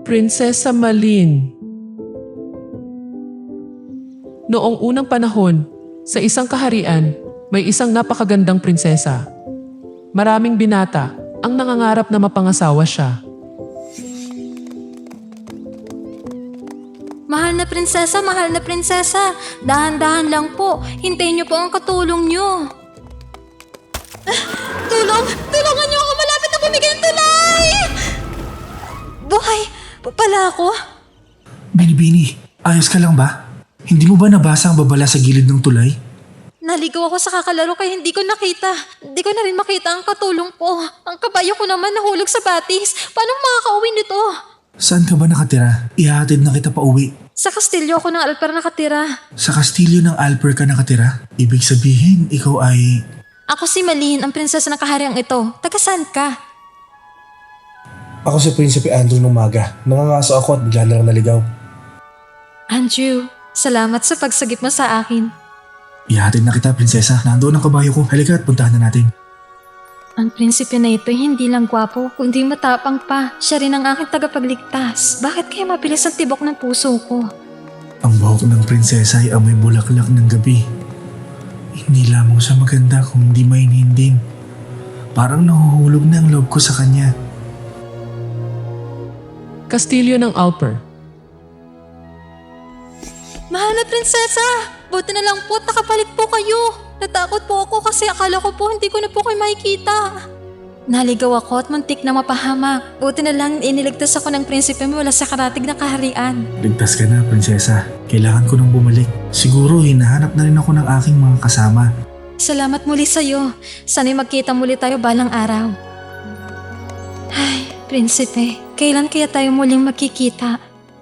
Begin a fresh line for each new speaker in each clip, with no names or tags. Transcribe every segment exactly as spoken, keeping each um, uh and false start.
Prinsesa Malin. Noong unang panahon, sa isang kaharian, may isang napakagandang prinsesa. Maraming binata ang nangangarap na mapangasawa siya.
Mahal na prinsesa, mahal na prinsesa. Dahan-dahan lang po. Hintayin niyo po ang katulong niyo. Ah, tulong! Tulungan niyo ako! Malapit na bumigay ang tulay! Buhay pa pala ako?
Binibini, ayos ka lang ba? Hindi mo ba nabasa ang babala sa gilid ng tulay?
Naligaw ako sa kakalaro kaya hindi ko nakita. Hindi ko na rin makita ang katulong ko. Ang kabayo ko naman nahulog sa batis. Paano makakauwi nito?
Saan ka ba nakatira? Ihahatid na kita pa uwi.
Sa kastilyo ako ng Alper nakatira.
Sa kastilyo ng Alper ka nakatira? Ibig sabihin, ikaw ay...
Ako si Malin, ang prinsesa ng kahariang ito. Taga saan ka?
Ako si Prinsipe Andrew ng Maga. Nangangaso ako at bigla na lang naligaw.
Andrew, salamat sa pagsagip mo sa akin.
Ihahatid na kita, prinsesa. Nandoon ang kabayo ko. Halika at puntahan na natin.
Ang prinsipe na ito hindi lang gwapo, kundi matapang pa. Siya rin ang aking tagapagligtas. Bakit kaya mabilis ang tibok ng puso ko?
Ang buhok ng prinsesa ay amoy bulaklak ng gabi. Hindi lamang siya maganda kung di mainhinding. Parang nahuhulog na ang loob ko sa kanya.
Kastilyo ng Alper.
Mahal na prinsesa! Buti na lang po, nakabalik po kayo. Natakot po ako kasi akala ko po hindi ko na po kayo makikita. Naligaw ako at muntik na mapahamak. Buti na lang iniligtas ako ng prinsipe mula sa karatig na kaharian.
Ligtas ka na, prinsesa. Kailangan ko nang bumalik. Siguro hinahanap na rin ako ng aking mga kasama.
Salamat muli sa'yo. Sana'y magkita muli tayo balang araw. Ay, prinsipe, kailan kaya tayo muling magkikita?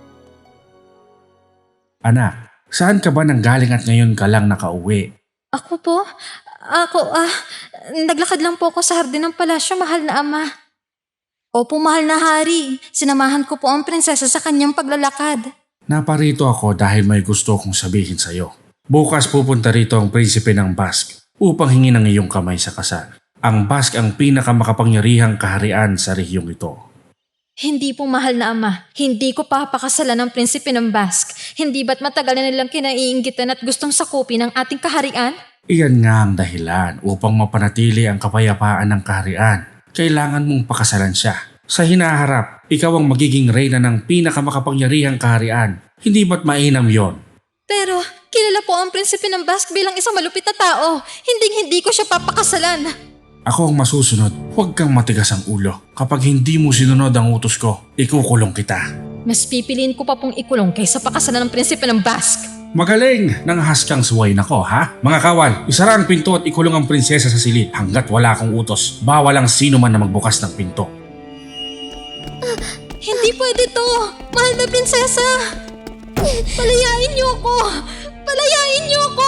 Anak, saan ka ba nanggaling at ngayon ka lang nakauwi?
Ako po? Ako, ah, naglakad lang po ako sa hardin ng palasyo, mahal na ama. Opo, mahal na hari. Sinamahan ko po ang prinsesa sa kanyang paglalakad.
Naparito ako dahil may gusto kong sabihin sa'yo. Bukas pupunta rito ang prinsipe ng Basque upang hingin ang iyong kamay sa kasal. Ang Basque ang pinakamakapangyarihang kaharian sa rehiyong ito.
Hindi po mahal na ama. Hindi ko papakasalan ng prinsipe ng Basque. Hindi ba't matagal na nilang kinaiinggitan at gustong sakupin ang ating kaharian?
Iyan nga ang dahilan upang mapanatili ang kapayapaan ng kaharian. Kailangan mong pakasalan siya. Sa hinaharap, ikaw ang magiging reyna ng pinakamakapangyarihang kaharian. Hindi ba't mainam yon?
Pero kilala po ang prinsipe ng Basque bilang isang malupit na tao. Hindi hindi ko siya papakasalan.
Ako ang masusunod. Huwag kang matigas ang ulo. Kapag hindi mo sinunod ang utos ko, ikukulong kita.
Mas pipiliin ko pa pong ikulong kaysa pakasalan ng prinsipe ng Basque.
Magaling! Nanghas kang suway nako, ha? Mga kawal, isara ang pinto at ikulong ang prinsesa sa silid hanggat wala akong utos. Bawal ang sino man na magbukas ng pinto.
Uh, hindi pwede to! Mahal na prinsesa! Palayain niyo ako! Palayain niyo ako!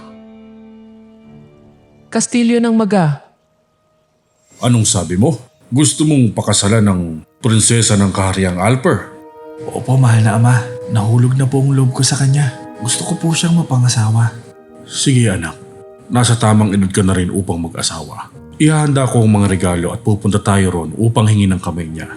Kastilyo ng Maga.
Anong sabi mo? Gusto mong pakasalan ng prinsesa ng kahariang Alper?
Opo, mahal na ama. Nahulog na po ang loob ko sa kanya. Gusto ko po siyang mapangasawa.
Sige anak, nasa tamang edad ka na rin upang mag-asawa. Ihahanda ko ang mga regalo at pupunta tayo ron upang hingin ang kamay niya.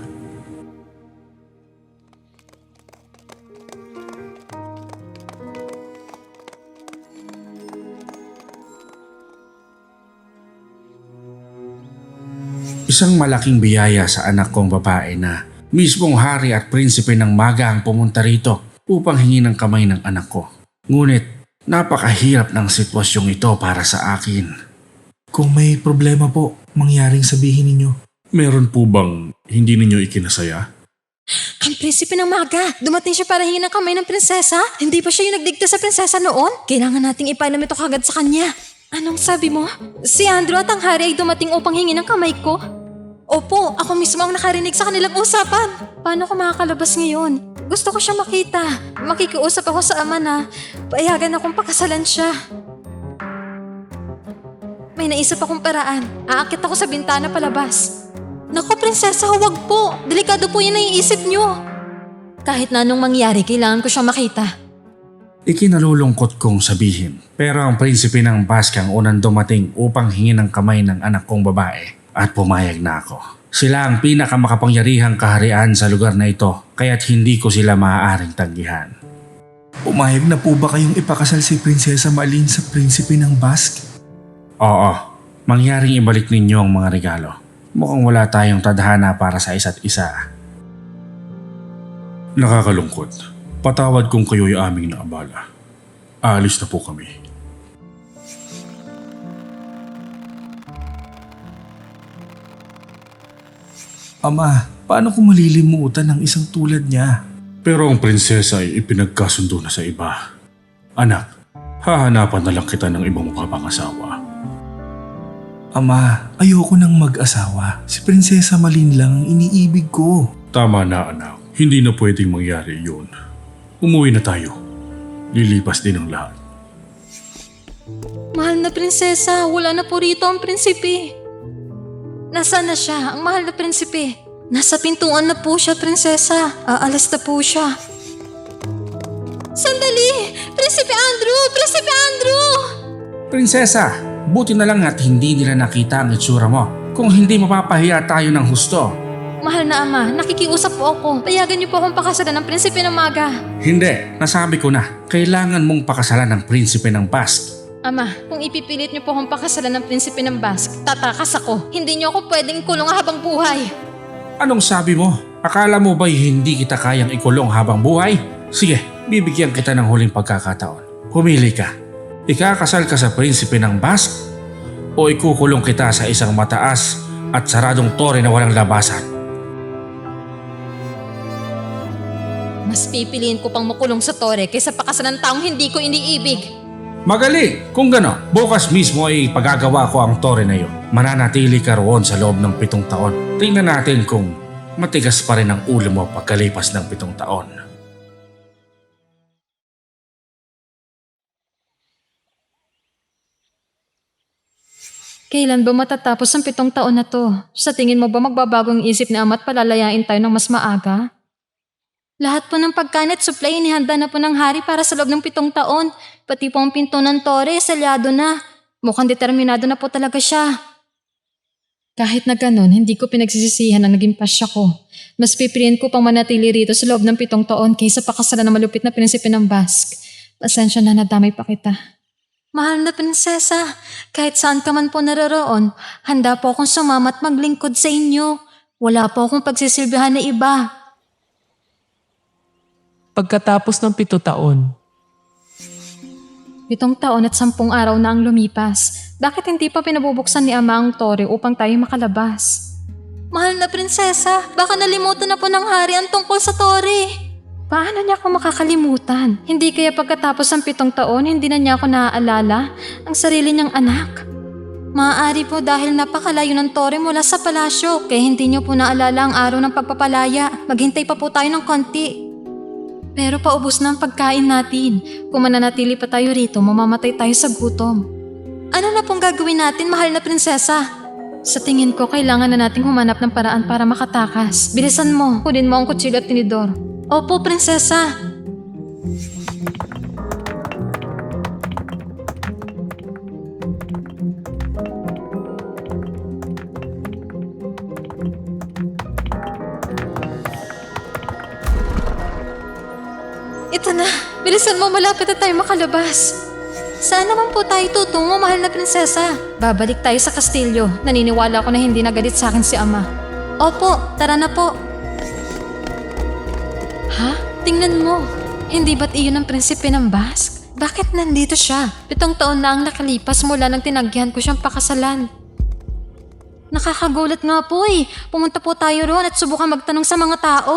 Isang malaking biyaya sa anak kong babae na mismong hari at prinsipe ng Maga ang pumunta rito upang hingin ang kamay ng anak ko. Ngunit napakahirap ng sitwasyong ito para sa akin.
Kung may problema po, mangyaring sabihin ninyo.
Meron po bang hindi ninyo ikinasaya?
Ang prinsipe ng Maga, dumating siya para hingin ang kamay ng prinsesa? Hindi ba siya yung nagdigtas sa prinsesa noon? Kailangan nating ipailam ito kagad sa kanya. Anong sabi mo? Si Andrew at ang hari ay dumating upang hingin ang kamay ko? Opo, ako mismo ang nakarinig sa kanilang usapan. Paano ko makakalabas ngayon? Gusto ko siya makita. Makikiusap ako sa ama na payagan akong pakasalan siya. May naisip akong paraan. Aakit ako sa bintana palabas. Naku, prinsesa, huwag po. Delikado po yan na iisip niyo. Kahit na anong mangyari, kailangan ko siyang makita.
Ikinalulungkot kong sabihin, pero ang prinsipe ng Basque ang unang dumating upang hingin ang kamay ng anak kong babae at pumayag na ako. Sila ang pinakamakapangyarihang kaharian sa lugar na ito, kaya't hindi ko sila maaaring tanggihan.
Umayag na po ba kayong ipakasal si Prinsesa Malin sa prinsipe ng Basque?
Oo, mangyaring ibalik ninyo ang mga regalo. Mukhang wala tayong tadhana para sa isa't isa. Nakakalungkot. Patawad kung kayo'y aming naabala. Aalis na po kami.
Ama, paano ko malilimutan ng isang tulad niya?
Pero ang prinsesa ay ipinagkasundo na sa iba. Anak, hahanapan na lang kita ng ibang makapangasawa.
Ama, ayoko nang mag-asawa. Si Prinsesa Malin lang ang iniibig ko.
Tama na anak, hindi na pwedeng mangyari yun. Umuwi na tayo. Lilipas din ang lahat.
Mahal na prinsesa, wala na po rito ang prinsipe. Nasaan na siya, ang mahal na prinsipe? Nasa pintuan na po siya, prinsesa. Aalas na po siya. Sandali! Prinsipe Andrew! Prinsipe Andrew!
Prinsesa, buti na lang at hindi nila nakita ang itsura mo. Kung hindi mapapahiya tayo ng husto.
Mahal na ama, nakikiusap po ako. Payagan niyo po akong pakasalan ng prinsipe ng maga.
Hindi, nasabi ko na. Kailangan mong pakasalan ng prinsipe ng Basque.
Ama, kung ipipilit niyo po akong pakasalan ng prinsipe ng Basque, tatakas ako. Hindi niyo ako pwedeng kulong habang buhay.
Anong sabi mo? Akala mo ba'y hindi kita kayang ikulong habang buhay? Sige, bibigyan kita ng huling pagkakataon. Pumili ka. Ikakasal ka sa prinsipe ng Basque o ikukulong kita sa isang mataas at saradong tore na walang labasan.
Mas pipiliin ko pang makulong sa tore kaysa pakasalan ng taong hindi ko iniibig.
Magali! Kung gano, bukas mismo ay pagagawa ko ang tore na yun. Mananatili ka roon sa loob ng pitong taon. Tingnan natin kung matigas pa rin ang ulo mo pagkalipas ng pitong taon.
Kailan ba matatapos ang pitong taon na to? Sa tingin mo ba magbabago ang isip ni ama at palalayain tayo ng mas maaga? Lahat po ng pagkain at supply inihanda na po ng hari para sa loob ng pitong taon. Pati po ang pinto ng tore, salyado na. Mukhang determinado na po talaga siya. Kahit na ganun, hindi ko pinagsisisihan ang naging pasya ko. Mas pipiliin ko pang manatili rito sa loob ng pitong taon kaysa pakasalan ng malupit na prinsipe ng Basque. Pasensya na, nadamay pa kita. Mahal na prinsesa, kahit saan ka man po naroroon, handa po akong sumama at maglingkod sa inyo. Wala po akong pagsisilbihan na iba.
Pagkatapos ng pito taon,
Pitong taon at sampung araw na ang lumipas. Bakit hindi pa pinabubuksan ni ama ang tore upang tayo makalabas? Mahal na prinsesa, baka nalimutan na po ng hari ang tungkol sa tore. Paano niya ako makakalimutan? Hindi kaya pagkatapos ng pitong taon, hindi na niya ako naaalala ang sarili niyang anak? Maaari po dahil napakalayo ng tore mula sa palasyo, kaya hindi niyo po naalala ang araw ng pagpapalaya. Maghintay pa po tayo ng konti. Pero paubos na ang pagkain natin. Kung mananatili pa tayo rito, mamamatay tayo sa gutom. Ano na pong gagawin natin, mahal na prinsesa? Sa tingin ko, kailangan na nating humanap ng paraan para makatakas. Bilisan mo, kunin mo ang kutsilyo at tinidor. Opo, prinsesa. Ito na, bilisan mo, malapit na tayo makalabas. Saan naman po tayo tutungo, mahal na prinsesa? Babalik tayo sa kastilyo. Naniniwala ko na hindi nagalit sa akin si ama. Opo, tara na po. Ha? Tingnan mo. Hindi ba't iyon ang prinsipe ng Basque? Bakit nandito siya? Pitong taon na ang nakalipas mula nang tinagyan ko siyang pakasalan. Nakakagulat nga po eh. Pumunta po tayo roon at subukan magtanong sa mga tao.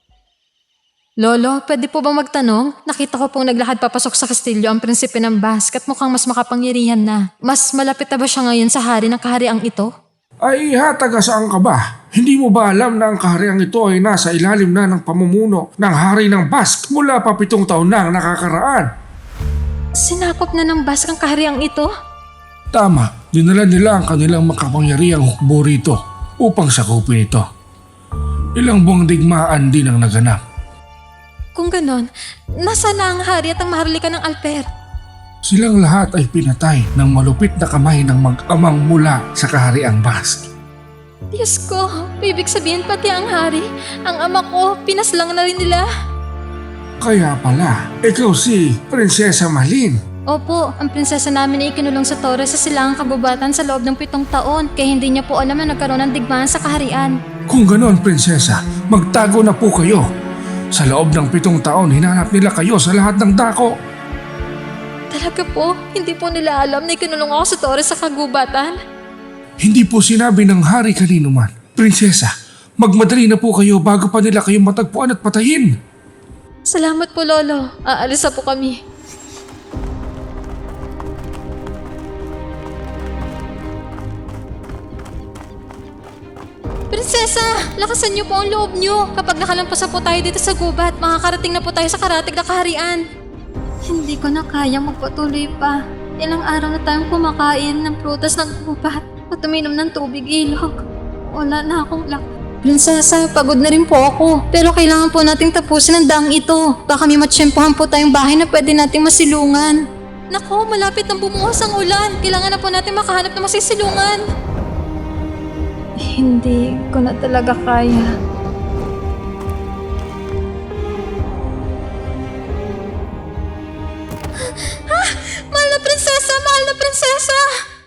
Lolo, pwede po bang magtanong? Nakita ko pong naglakad papasok sa kastilyo ang prinsipe ng Basque at mukhang mas makapangyarihan na. Mas malapit na ba siya ngayon sa hari ng kahariang ito?
Ay, ha, taga saan ka ba? Hindi mo ba alam na ang kahariang ito ay nasa ilalim na ng pamumuno ng hari ng Basque mula pa pitong taon na ang nakakaraan?
Sinakop na ng Basque ang kahariang ito?
Tama, dinala nila ang kanilang makapangyarihang hukbo rito upang sakupin ito. Ilang buwang digmaan din ang naganap.
Kung ganon, nasa na ang hari at ang maharlika ng Alper?
Silang lahat ay pinatay ng malupit na kamay ng mag-amang mula sa kahariang Basque.
Diyos ko, ibig sabihin pati ang hari, ang ama ko, pinaslang na rin nila.
Kaya pala, ikaw si Prinsesa Malin.
Opo, ang prinsesa namin ay ikinulong sa Torres sa silangang kagubatan sa loob ng pitong taon, kaya hindi niya po alam na nagkaroon ng digmaan sa kaharian.
Kung ganon, Prinsesa, magtago na po kayo. Sa loob ng pitong taon, hinanap nila kayo sa lahat ng dako.
Talaga po, hindi po nila alam na ikinulong ako sa Torres sa kagubatan.
Hindi po sinabi ng hari kanino man. Prinsesa, magmadali na po kayo bago pa nila kayo matagpuan at patayin.
Salamat po, Lolo. Aalis na po kami. Prinsesa, lakasan niyo po ang loob niyo. Kapag nakalampas na po tayo dito sa gubat, makakarating na po tayo sa karatig na kaharian. Hindi ko na kayang magpatuloy pa. Ilang araw na tayong kumakain ng prutas ng gubat at uminom ng tubig ilog. Wala na akong lak. Prinsesa, pagod na rin po ako. Pero kailangan po nating tapusin ang daang ito. Baka may matsyempohan po tayong bahay na pwede nating masilungan. Nako, malapit nang bumuhos ang ulan. Kailangan na po natin makahanap ng masisilungan. Hindi ko na talaga kaya. Ah! Mahal na prinsesa! Mahal na prinsesa!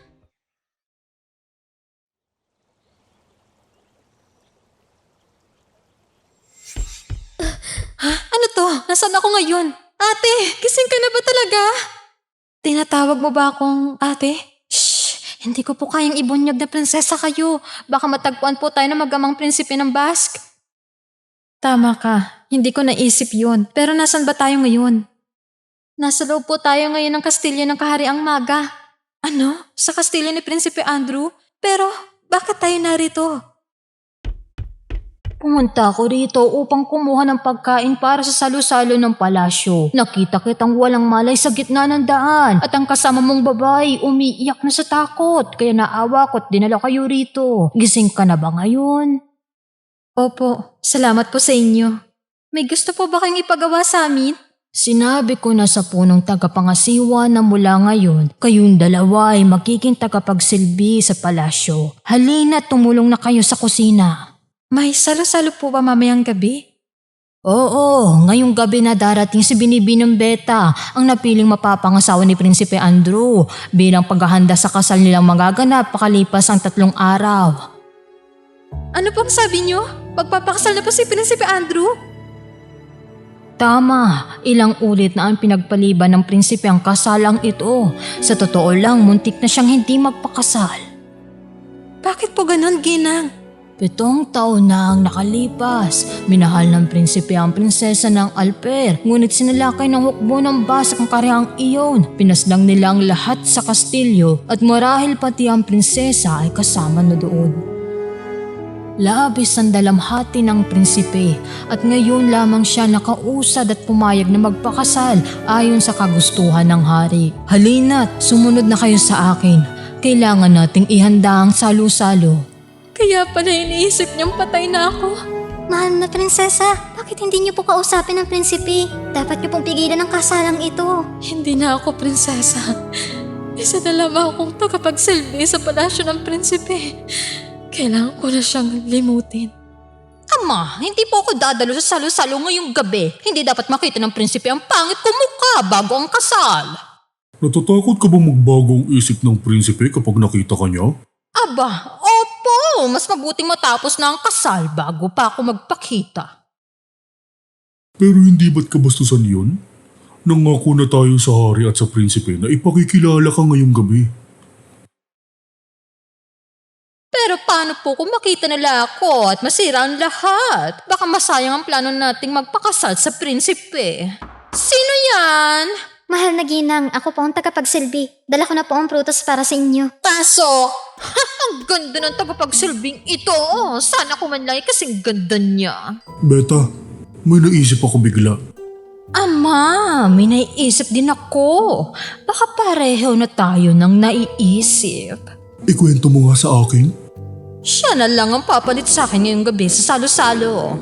Ah, ano to? Nasaan ako ngayon? Ate, gising ka na ba talaga? Tinatawag mo ba akong ate? Shh! Hindi ko po kayang ibunyag na prinsesa kayo. Baka matagpuan po tayo ng magamang prinsipe ng Basque. Tama ka. Hindi ko naisip yun. Pero nasan ba tayo ngayon? Nasa loob po tayo ngayon ng kastilyo ng Kahariang Maga. Ano? Sa kastilyo ni Prinsipe Andrew? Pero bakit tayo narito? Pumunta ako rito upang kumuha ng pagkain para sa salo-salo ng palasyo. Nakita kitang walang malay sa gitna ng daan at ang kasama mong babae umiiyak na sa takot kaya naawa ko't dinala kayo rito. Gising ka na ba ngayon? Opo, salamat po sa inyo. May gusto po ba kayong ipagawa sa amin? Sinabi ko na sa punong tagapangasiwa na mula ngayon, kayong dalawa ay magiging tagapagsilbi sa palasyo. Halina, tumulong na kayo sa kusina. May salo-salo po ba mamayang gabi? Oo, ngayong gabi na darating si Binibinong Beta, ang napiling mapapangasawa ni Prinsipe Andrew, bilang paghahanda sa kasal nilang magaganap pakalipas ang tatlong araw. Ano pong sabi niyo? Pagpapakasal na po si Prinsipe Andrew? Tama, ilang ulit na ang pinagpaliban ng prinsipe ang kasalang ito. Sa totoo lang, muntik na siyang hindi magpakasal. Bakit po ganon, Ginang? Pitong taon na ang nakalipas. Minahal ng prinsipe ang prinsesa ng Alper, ngunit sinalakay ng hukbo ng basak ang karehang iyon. Pinaslang nila ang lahat sa kastilyo at marahil pati ang prinsesa ay kasama na doon. Labis ang dalamhati ng prinsipe at ngayon lamang siya nakausad at pumayag na magpakasal ayon sa kagustuhan ng hari. Halina't sumunod na kayo sa akin. Kailangan nating ihanda ang salo-salo. Kaya pala iniisip niyang patay na ako.
Mahal na prinsesa, bakit hindi niyo po kausapin ang prinsipe? Dapat niyo pong pigilan ang kasalang ito.
Hindi na ako prinsesa. Isa na lamang akong tagapagsilbi sa palasyo ng prinsipe. Kailangan ko na siyang limutin. Ama, hindi po ako dadalo sa salo-salo ngayong gabi. Hindi dapat makita ng prinsipe ang pangit kong mukha bago ang kasal.
Natatakot ka ba magbago ang isip ng prinsipe kapag nakita ka niya?
Aba, opo. Mas mabuting matapos na ang kasal bago pa ako magpakita.
Pero hindi ba't kabastusan yun? Nangako na tayo sa hari at sa prinsipe na ipakikilala ka ngayong gabi.
Pero paano po kung makita nila ako at masira ang lahat? Baka masayang ang plano nating magpakasal sa prinsipe. Sino yan?
Mahal na ginang, ako po ang tagapagsilbi. Dala ko na po ang prutas para sa inyo.
Pasok! Ang ganda ng tagapagsilbing ito. Sana ko man lang ay kasing ganda niya.
Beta, may naisip ako bigla.
Ama, may naiisip din ako. Baka pareho na tayo ng naiisip.
Ikwento mo nga sa akin.
Siya na lang ang papalit sa akin ngayong gabi sa salo-salo.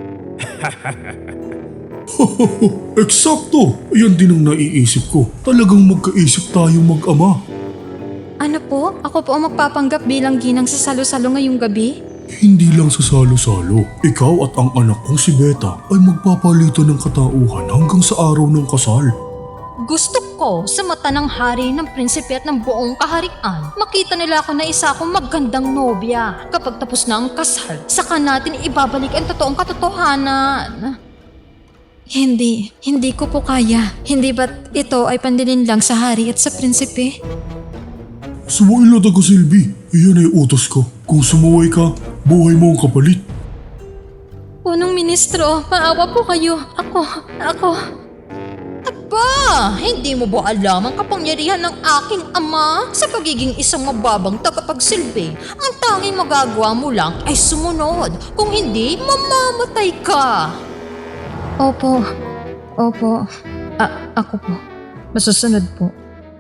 Eksakto! Yan din ang naiisip ko. Talagang magkaisip tayo mag-ama.
Ano po? Ako po ang magpapanggap bilang ginang sa salo-salo ngayong gabi?
Hindi lang sa salo-salo, ikaw at ang anak kong si Beta ay magpapalitan ng katauhan hanggang sa araw ng kasal.
Gusto ko sa mata ng hari, ng prinsipe at ng buong kaharian, makita nila ako na isa akong magandang nobya. Kapag tapos na ang kasal, saka natin ibabalik ang totoong katotohanan. Hindi, hindi ko po kaya. Hindi ba't ito ay pandilin lang sa hari at sa prinsipe?
Sumakay na taga Silvi, iyan ay utos ko. Kung sumuway ka, buhay mo ang kapalit.
Punong ministro, maawa po kayo. Ako, ako... Aba, hindi mo ba alam ang kapangyarihan ng aking ama sa pagiging isang mababang tagapagsilbi? Ang tanging magagawa mo lang ay sumunod. Kung hindi, mamamatay ka. Opo, opo. A- ako po. Masusunod po.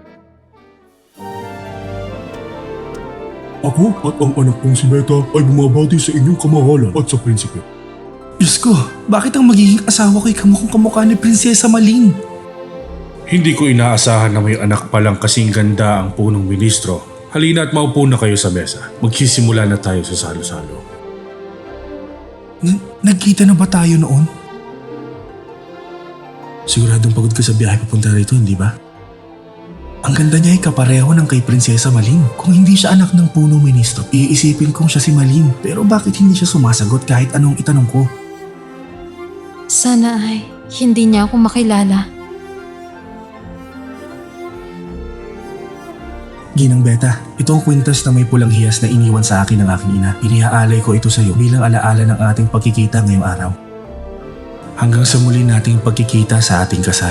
Ako at ang anak kong si Beta ay bumabati sa inyong kamahalan at sa prinsipe.
Diyos ko, bakit ang magiging asawa ko'y kamukhang kamukha ni Prinsesa Malin?
Hindi ko inaasahan na may anak palang kasing ganda ang punong ministro. Halina at maupo na kayo sa mesa. Magsisimula na tayo sa salo-salo.
N- nagkita na ba tayo noon? Siguradong pagod ka sa biyahe papunta rito, hindi ba? Ang ganda niya ay kapareho ng kay Prinsesa Malin. Kung hindi siya anak ng punong ministro, iisipin kong siya si Malin. Pero bakit hindi siya sumasagot kahit anong itanong ko?
Sana ay hindi niya ako makilala.
Ginang Beta, ito ang kwintas na may pulang hiyas na iniwan sa akin ng aking ina. Inihaalay ko ito sa iyo bilang alaala ng ating pagkikita ngayong araw. Hanggang sa muli nating pagkikita sa ating kasal.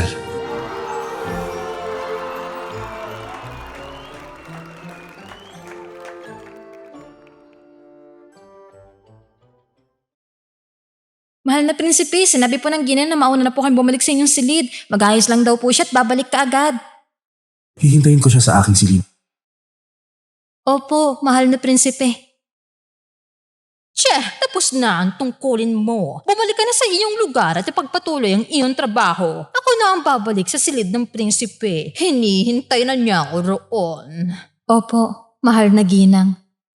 Mahal na prinsipe, sinabi po ng ginang na mauna na po kayong bumalik sa inyong silid. Mag-ayos lang daw po siya at babalik ka agad.
Hihintayin ko siya sa aking silid.
Opo, mahal na prinsipe. Che, tapos na ang tungkulin mo. Bumalik ka na sa iyong lugar at ipagpatuloy ang iyong trabaho. Ako na ang babalik sa silid ng prinsipe. Hinihintay na niya ako roon. Opo, mahal na ginang.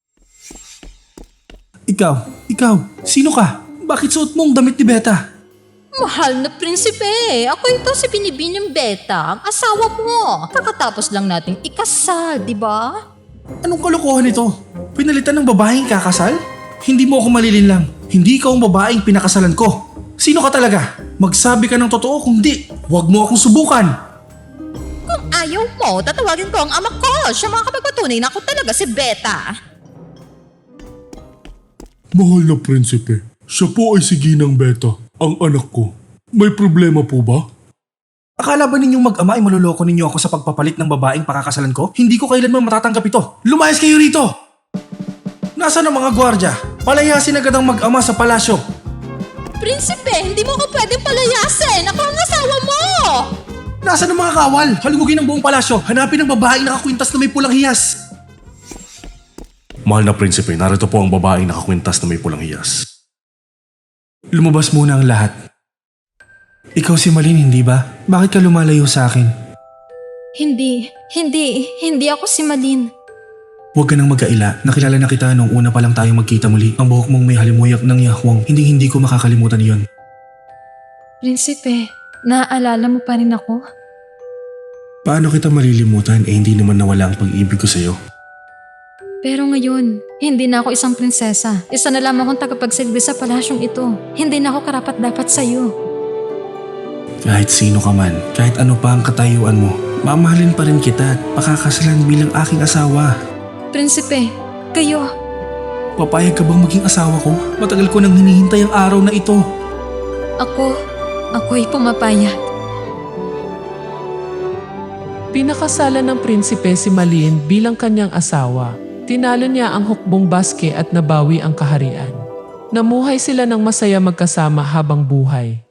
Ikaw, ikaw, sino ka? Bakit suot mo ang damit ni Beta?
Mahal na prinsipe, ako ito si Binibining Beta, ang asawa mo. Kakatapos lang nating ikasal, di ba?
Anong kalokohan ito? Pinalitan ng babaeng kakasal? Hindi mo ako malilinlang. Hindi ikaw ang babaeng pinakasalan ko. Sino ka talaga? Magsabi ka ng totoo, kung di, huwag mo akong subukan.
Kung ayaw mo, tatawagin ko ang ama ko. Siya makakapagpatunay na ako talaga si Beta.
Mahal na prinsipe, siya po ay si Ginang Beta, ang anak ko. May problema po ba?
Akala ba ninyong mag-ama ay maluloko ninyo ako sa pagpapalit ng babaeng pakakasalan ko? Hindi ko kailanman matatanggap ito. Lumayas kayo rito! Nasaan ang mga gwardya? Palayasin agad ang mag-ama sa palasyo.
Prinsipe, hindi mo ko pwedeng palayasin. Ako ang asawa mo!
Nasaan ang mga kawal? Halugugin ang buong palasyo. Hanapin ang babaeng nakakwintas na may pulang hiyas.
Mahal na prinsipe, narito po ang babaeng nakakwintas na may pulang hiyas.
Lumabas muna ang lahat. Ikaw si Malin, hindi ba? Bakit ka lumalayo sa akin?
Hindi, hindi, hindi ako si Malin.
Huwag ka nang magkaila. Nakilala na kita nung una pa lang tayo magkita muli. Ang buhok mong may halimuyak ng yahwang. Hindi hindi ko makakalimutan iyon.
Prinsipe, naaalala mo pa rin ako?
Paano kita malilimutan eh hindi naman nawala ang pag-ibig ko sa'yo?
Pero ngayon, hindi na ako isang prinsesa. Isa na lamang akong tagapagsilbi sa palasyong ito. Hindi na ako karapat-dapat sa'yo.
Kahit sino ka man, kahit ano pa ang katayuan mo, mamahalin pa rin kita at pakakasalan bilang aking asawa.
Prinsipe, kayo.
Papayag ka bang maging asawa ko? Matagal ko nang hinihintay ang araw na ito.
Ako, ako'y pumapayag.
Pinakasalan ng prinsipe si Malin bilang kanyang asawa. Tinalo niya ang hukbong baske at nabawi ang kaharian. Namuhay sila ng masaya magkasama habang buhay.